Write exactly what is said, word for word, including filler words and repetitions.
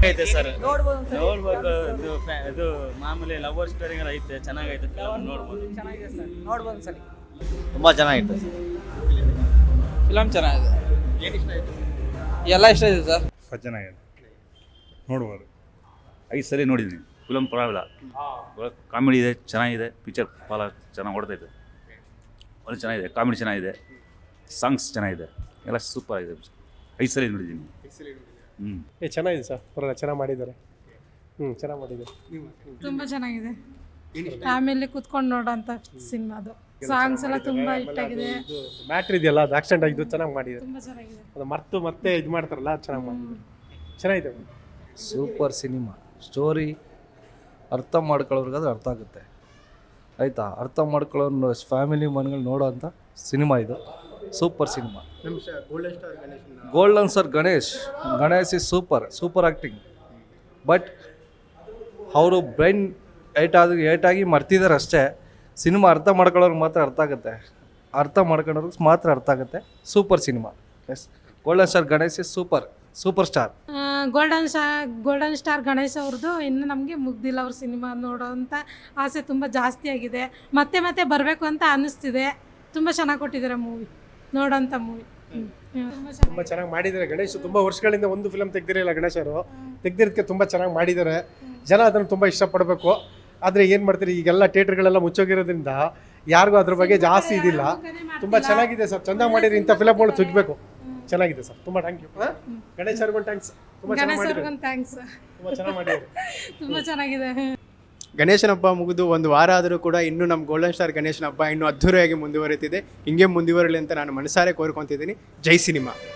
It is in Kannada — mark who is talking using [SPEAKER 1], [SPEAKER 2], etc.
[SPEAKER 1] ಐತೆ ಸರ್,
[SPEAKER 2] ನೋಡ್ಬೋದು ಒಂದ್ಸರಿ.
[SPEAKER 1] ನೋಡ್ಬೇಕು. ಇದು ಫ್ಯಾ- ಇದು ಮಾಮೂಲಿ ಲವರ್ ಸ್ಟೋರಿಗಳು ಐತೆ, ಚೆನ್ನಾಗೈತೆ ಫಿಲಮ್, ನೋಡ್ಬೋದು.
[SPEAKER 2] ಚೆನ್ನಾಗಿದೆ ಸರ್, ನೋಡ್ಬೋದು ಒಂದ್ಸಲಿ.
[SPEAKER 3] ತುಂಬ ಚೆನ್ನಾಗಿತ್ತು.
[SPEAKER 4] ಫಿಲಮ್ ಚೆನ್ನಾಗಿದೆ, ಎಲ್ಲ ಇಷ್ಟ ಇದೆ ಸರ್.
[SPEAKER 5] ಚೆನ್ನಾಗಿದೆ, ನೋಡ್ಬೋದು. ಐದು ಸರಿ ನೋಡಿದ್ದೀನಿ ಫಿಲಮ್, ಪರವಾಗಿಲ್ಲ. ಕಾಮಿಡಿ ಇದೆ, ಚೆನ್ನಾಗಿದೆ. ಪಿಕ್ಚರ್ ಭಾಳ ಚೆನ್ನಾಗಿ ಓಡ್ತೈತೆ, ಒಳ್ಳೆ ಚೆನ್ನಾಗಿದೆ. ಕಾಮಿಡಿ ಚೆನ್ನಾಗಿದೆ, ಸಾಂಗ್ಸ್ ಚೆನ್ನಾಗಿದೆ, ಎಲ್ಲ ಸೂಪರ್ ಆಗಿದೆ. ಐದು ಸರಿ ನೋಡಿದ್ದೀನಿ. ಹ್ಞೂ
[SPEAKER 6] ಏ ಚೆನ್ನಾಗಿದೆ ಸರ್, ಪರವಾಗಿಲ್ಲ, ಚೆನ್ನಾಗಿ ಮಾಡಿದ್ದಾರೆ. ಹ್ಞೂ ಚೆನ್ನಾಗಿ ಮಾಡಿದ್ದಾರೆ.
[SPEAKER 7] ತುಂಬ ಚೆನ್ನಾಗಿದೆ, ಫ್ಯಾಮಿಲಿ ಕುತ್ಕೊಂಡು ನೋಡೋಂಥ ಸಿನಿಮಾ. ಅದು ಸಾಂಗ್ಸ್ ಎಲ್ಲ ತುಂಬ ಹಿಟ್ ಆಗಿದೆ.
[SPEAKER 6] ಇದು ಮ್ಯಾಟ್ರ್ ಇದೆಯಲ್ಲ, ಅದು ಆಕ್ಸಿಡೆಂಟ್ ಆಗಿದ್ದು ಚೆನ್ನಾಗಿ ಮಾಡಿದ್ದಾರೆ.
[SPEAKER 7] ತುಂಬ ಚೆನ್ನಾಗಿದೆ.
[SPEAKER 6] ಅದು ಮರ್ತು ಮತ್ತೆ ಇದು ಮಾಡ್ತಾರಲ್ಲ, ಅದು ಚೆನ್ನಾಗಿ ಮಾಡಿದ್ದಾರೆ. ಚೆನ್ನಾಗಿದೆ.
[SPEAKER 8] Super cinema. ಸ್ಟೋರಿ ಅರ್ಥ ಮಾಡ್ಕೊಳ್ಳೋರ್ಗೆ ಅದು ಅರ್ಥ ಆಗುತ್ತೆ, ಆಯಿತಾ? ಅರ್ಥ ಮಾಡ್ಕೊಳ್ಳೋ ಫ್ಯಾಮಿಲಿ ಮನ್ಗಳು ನೋಡೋ ಅಂಥ ಸಿನಿಮಾ ಇದು. Super cinema. Golden star Ganesh Ganesh is super super acting. But ಅವರು ಬ್ರೈನ್ ಏಟ್ ಆಗಿ ಏಟಾಗಿ ಮರ್ತಿದ್ದಾರೆ ಅಷ್ಟೇ. ಸಿನಿಮಾ ಅರ್ಥ ಮಾಡ್ಕೊಳ್ಳೋರ್ಗೆ ಮಾತ್ರ ಅರ್ಥ ಆಗುತ್ತೆ, ಅರ್ಥ ಮಾಡ್ಕೊಳ್ಳೋರ್ಗೆ ಮಾತ್ರ ಅರ್ಥ ಆಗುತ್ತೆ. Super cinema. Yes, golden star Ganesh is super super star.
[SPEAKER 7] Golden star golden star Ganesh ಅವ್ರದ್ದು ಇನ್ನೂ ನಮಗೆ ಮುಗ್ದಿಲ್ಲ. ಅವ್ರ ಸಿನಿಮಾ ನೋಡೋವಂಥ ಆಸೆ ತುಂಬ ಜಾಸ್ತಿ ಆಗಿದೆ. ಮತ್ತೆ ಮತ್ತೆ ಬರಬೇಕು ಅಂತ ಅನ್ನಿಸ್ತಿದೆ. ತುಂಬ ಚೆನ್ನಾಗಿ ಕೊಟ್ಟಿದ್ದಾರೆ ಮೂವಿ, ನೋಡೋಂಥ ಮೂವಿ.
[SPEAKER 6] ತುಂಬ ಚೆನ್ನಾಗಿ ಮಾಡಿದ್ದಾರೆ. ಗಣೇಶ್ ತುಂಬ ವರ್ಷಗಳಿಂದ ಒಂದು ಫಿಲಮ್ ತೆಗ್ದಿರಲಿಲ್ಲ ಗಣೇಶರು, ತೆಗ್ದಿರೋದಕ್ಕೆ ತುಂಬ ಚೆನ್ನಾಗಿ ಮಾಡಿದ್ದಾರೆ. ಜನ ಅದನ್ನು ತುಂಬ ಇಷ್ಟಪಡಬೇಕು. ಆದರೆ ಏನು ಮಾಡ್ತೀರಿ, ಈಗೆಲ್ಲ ಥಿಯೇಟ್ರ್ಗಳೆಲ್ಲ ಮುಚ್ಚೋಗಿರೋದ್ರಿಂದ ಯಾರಿಗೂ ಅದ್ರ ಬಗ್ಗೆ ಜಾಸ್ತಿ ಇದಿಲ್ಲ. ತುಂಬ ಚೆನ್ನಾಗಿದೆ ಸರ್, ಚೆಂದ ಮಾಡಿರಿ. ಇಂಥ ಫಿಲಮ್ಗಳು ತೆಗಿಬೇಕು. ಚೆನ್ನಾಗಿದೆ ಸರ್, ತುಂಬ ಥ್ಯಾಂಕ್ ಯು. ಗಣೇಶ್ ಅವ್ರಿಗೊಂದು ಥ್ಯಾಂಕ್ಸ್, ತುಂಬ ಚೆನ್ನಾಗಿ ಮಾಡಿದ್ದಾರೆ.
[SPEAKER 7] ಥ್ಯಾಂಕ್ಸ್,
[SPEAKER 6] ತುಂಬ ಚೆನ್ನಾಗಿ ಮಾಡಿದ್ದಾರೆ.
[SPEAKER 7] ತುಂಬ ಚೆನ್ನಾಗಿದೆ.
[SPEAKER 9] ಗಣೇಶನ ಹಬ್ಬ ಮುಗಿದು ಒಂದು ವಾರ ಆದರೂ ಕೂಡ ಇನ್ನೂ ನಮ್ಮ ಗೋಲ್ಡನ್ ಸ್ಟಾರ್ ಗಣೇಶನ ಹಬ್ಬ ಇನ್ನೂ ಅದ್ಧೂರಿಯಾಗಿ ಮುಂದುವರಿತಿದೆ. ಹಿಂಗೆ ಮುಂದುವರಲಿ ಅಂತ ನಾನು ಮನಸಾರೆ ಕೋರ್ಕೊತಿದ್ದೀನಿ. ಜೈ ಸಿನಿಮಾ.